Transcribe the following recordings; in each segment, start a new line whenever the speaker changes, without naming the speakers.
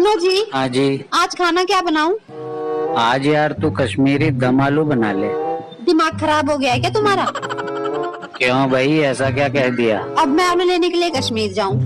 सुनो जी।
हाँ जी।
आज खाना क्या बनाऊं?
आज यार तू कश्मीरी दम आलू बना ले।
दिमाग खराब हो गया है क्या तुम्हारा?
क्यों भाई, ऐसा क्या कह दिया?
अब मैं आलू लेने के लिए कश्मीर जाऊं?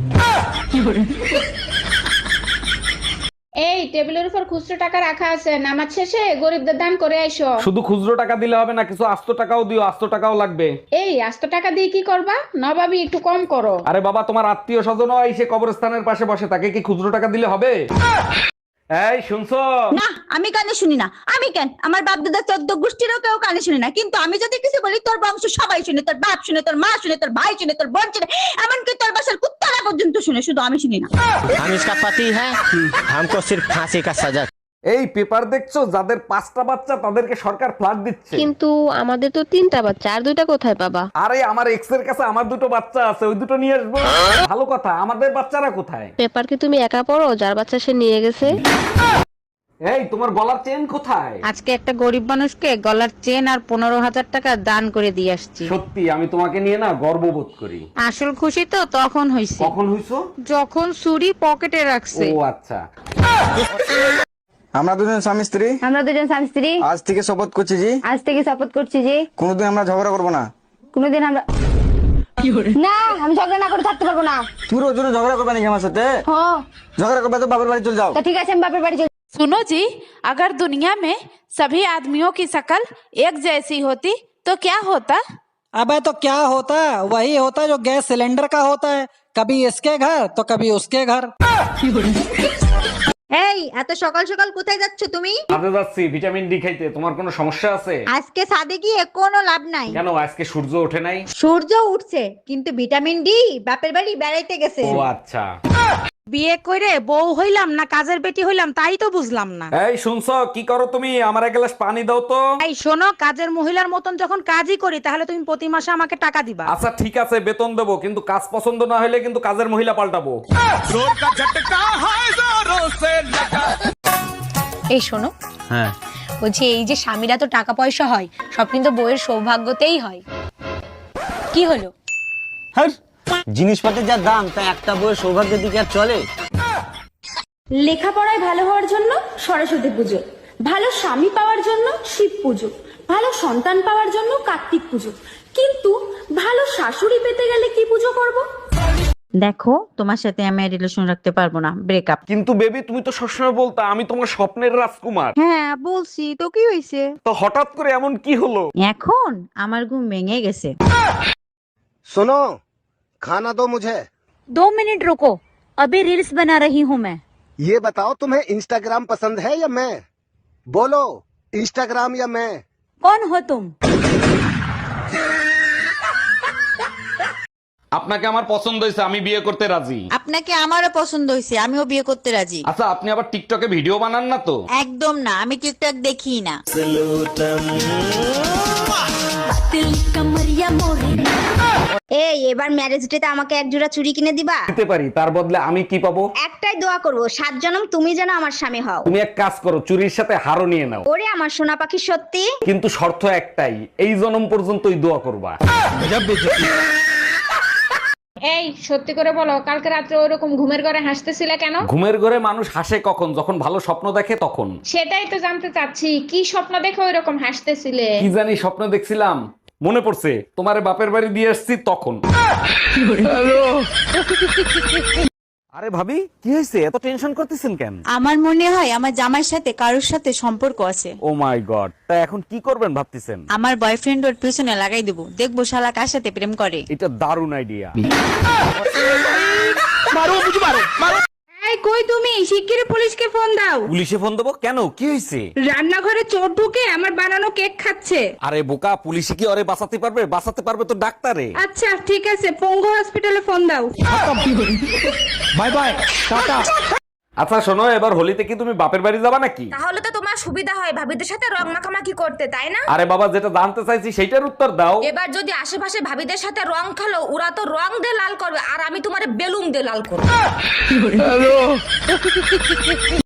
এই টেবিলের উপর খুচরো টাকা রাখা আছে, নামাজ শেষে গরিবদের দান করে আইসো।
শুধু খুচরো টাকা দিলে হবে না, কিছু আস্ত টাকাও দিও, আস্ত টাকাও লাগবে।
এই আস্ত টাকা দিয়ে কি করবা? নবাবী একটু কম করো।
আরে বাবা, তোমার আত্মীয় স্বজন এসে কবরস্থানের পাশে বসে, তাকে কি খুচরো টাকা দিলে হবে? এই শুনছো?
না, আমি কানে শুনি না। আমি কেন? আমার বাপ দাদা 14 গোষ্ঠীরও কেউ কানে শুনে না, কিন্তু আমি যদি কিছু বলি তোর বংশ সবাই শুনে, তোর বাপ শুনে, তোর মা শুনে, তোর ভাই শুনে, তোর বোন শুনে, এমনকি তোর বাসার কুত্তারা পর্যন্ত শুনে, শুধু আমি শুনি না।
हम इसका पति है, हमको सिर्फ फांसी का सजा।
এই পেপার দেখছো, যাদের 5টা বাচ্চা তাদেরকে সরকার ফ্ল্যাট দিচ্ছে।
কিন্তু আমাদের তো 3টা বাচ্চা, আর 2টা কোথায় পাবা?
আরে আমার এক্স এর কাছে আমার 2টো বাচ্চা আছে, ওই 2টো নিয়ে আসবো। ভালো কথা, আমাদের বাচ্চারা কোথায়?
পেপার কি তুমি একা পড়ো? যার বাচ্চা সে নিয়ে গেছে।
এই তোমার গলার চেন কোথায়?
আজকে একটা গরিব মানুষকে গলার চেন আর 15,000 টাকা দান করে দিয়ে আসছি।
সত্যি আমি তোমাকে নিয়ে না গর্ববোধ করি।
আসল খুশি তো তখন হইছে
কখন হইছো?
যখন চুরি পকেটে রাখছে।
ও আচ্ছা।
আমরা দুজন স্বামী স্ত্রী।
আমরা দুজন স্বামী স্ত্রী
আজ থেকে শপথ করছি জি।
আজ থেকে শপথ করছি যে
কোনোদিন আমরা ঝগড়া করবো না।
কোনোদিন আমরা না, আমি ঝগড়া না করে থাকতে পারবো না।
তুই রোজ রোজ ঝগড়া করবে নাকি আমার সাথে?
হ্যাঁ,
ঝগড়া করবে তো বাবার বাড়ি চলে যাও।
তা ঠিক আছে, আমি বাপের বাড়ি চলে।
सुनो जी, अगर दुनिया में सभी आदमियों की शक्ल एक जैसी होती तो क्या होता?
अबे तो क्या होता, वही होता जो गैस सिलेंडर का होता है, कभी इसके घर तो कभी उसके घर।
এই এত সকাল সকাল কোথায় যাচ্ছ তুমি?
কাজে যাচ্ছি ভিটামিন ডি খাইতে। তোমার কোনো সমস্যা আছে?
আজকে সাদে গিয়ে কোনো লাভ নাই।
কেন, আজকে সূর্য ওঠে নাই?
সূর্য উঠছে, কিন্তু ভিটামিন ডি বাপের বাড়ি বেড়াইতে গেছে।
ও আচ্ছা।
বিয়ে করে বউ হইলাম না কাজের বেটি হইলাম তাই তো বুঝলাম না।
এই শুনছো, কি করো তুমি? আমার এক গ্লাস পানি দাও তো।
এই শোনো, কাজের মহিলার মতন যখন কাজই করি তাহলে তুমি প্রতি মাসে আমাকে টাকা দিবা।
আচ্ছা ঠিক আছে, বেতন দেবো, কিন্তু কাজ পছন্দ না হলে কিন্তু কাজের মহিলা পাল্টাবো।
এই শোনো,
হ্যাঁ,
বলছি এই যে স্বামীরা তো টাকা পয়সা হয়, সব কিন্তু বইয়ের সৌভাগ্যতেই হয়। কি হলো?
জিনিসপত্রের যা দাম, তা একটা বইয়ের সৌভাগ্যের দিকে আর চলে?
লেখাপড়ায় ভালো হওয়ার জন্য সরস্বতী পুজো, ভালো স্বামী পাওয়ার জন্য শিব পুজো, ভালো সন্তান পাওয়ার জন্য কার্তিক পুজো, কিন্তু ভালো শাশুড়ি পেতে গেলে কি পুজো করব?
দেখো, তোমার সাথে আমি রিলেশন রাখতে পারবো না, ব্রেকআপ।
কিন্তু বেবি, তুমি তো সবসময় বলতা আমি তোমার স্বপ্নের রাজকুমার।
হ্যাঁ বলছি তো, কি হয়েছে?
তো হঠাৎ করে এমন কি হলো?
এখন আমার ঘুম ভেঙে গেছে।
सुनो, खाना दो मुझे।
2 मिनट रुको, अभी रील्स बना रही हूँ मैं।
ये बताओ, तुम्हें इंस्टाग्राम पसंद है या मैं? बोलो, इंस्टाग्राम या मैं?
कौन हो तुम?
আপনাকে আমার পছন্দ হয়েছে, আমি বিয়ে করতে রাজি।
আপনাকে আমারও পছন্দ হয়েছে, আমিও বিয়ে করতে রাজি।
আচ্ছা, আপনি আবার টিকটকে ভিডিও বানান না তো?
একদম না, আমি টিকটক দেখি না। এই এবার ম্যারেজ ডেতে আমাকে এক জোড়া চুড়ি কিনে দিবা?
দিতে পারি, তার বদলে আমি কি পাবো?
একটাই দোয়া করবো, 7 জনম তুমি যেন আমার স্বামী হও।
তুমি এক কাজ করো, চুরির সাথে হারও নিয়ে নাও।
ওরে আমার সোনা পাখি, সত্যি?
কিন্তু শর্ত একটাই, এই জনম পর্যন্তই দোয়া করবা।
এই সত্যি করে বলো, কালকে রাত্রে ওইরকম ঘুমের ঘরে হাসতেছিলে কেন?
ঘুমের ঘরে মানুষ হাসে কখন? যখন ভালো স্বপ্ন দেখে তখন।
সেটাই তো জানতে চাচ্ছি, কি স্বপ্ন দেখে ওইরকম হাসতেছিলে?
কি জানি স্বপ্ন দেখছিলাম, মনে পড়ছে, তোমার বাপের বাড়ি দিয়ে আসছি তখন। আরে ভাবি, কি হয়েছে? এত টেনশন করতেছেন কেন?
আমার মনে হয় আমার জামাইয়ের সাথে কারোর সাথে সম্পর্ক আছে।
ও মাই গড, তা এখন কি করবেন ভাবতেছেন?
আমার বয়ফ্রেন্ড ওর পিছনে লাগাই দেবো, দেখবো শালা কার সাথে প্রেম করে।
এটা দারুণ আইডিয়া।
এই কই তুমি? শিগগিরই পুলিশকে ফোন দাও।
পুলিশে ফোন দেবো কেন? কি হয়েছে?
রান্নাঘরে চোর ঢুকে আমার বানানো কেক খাচ্ছে।
আরে বোকা, পুলিশে কি ওরে বাঁচাতে পারবে? বাঁচাতে পারবে তো ডাক্তারে।
আচ্ছা ঠিক আছে, পঙ্গু হসপিটালে ফোন দাও।
Bye bye, tata.
আচ্ছা শোনো, এবার হোলিতে কি তুমি বাপের বাড়ি যাবা নাকি?
তাহলে তো তোমার সুবিধা হয় ভাবিদের সাথে রং মাখামাখি করতে, তাই না?
আরে বাবা, যেটা জানতে চাইছি সেইটার উত্তর দাও।
এবার যদি আশেপাশে ভাবিদের সাথে রং খেলো, ওরা তো রং দিয়ে লাল করবে, আর আমি তোমার বেলুন দিয়ে লাল করবো।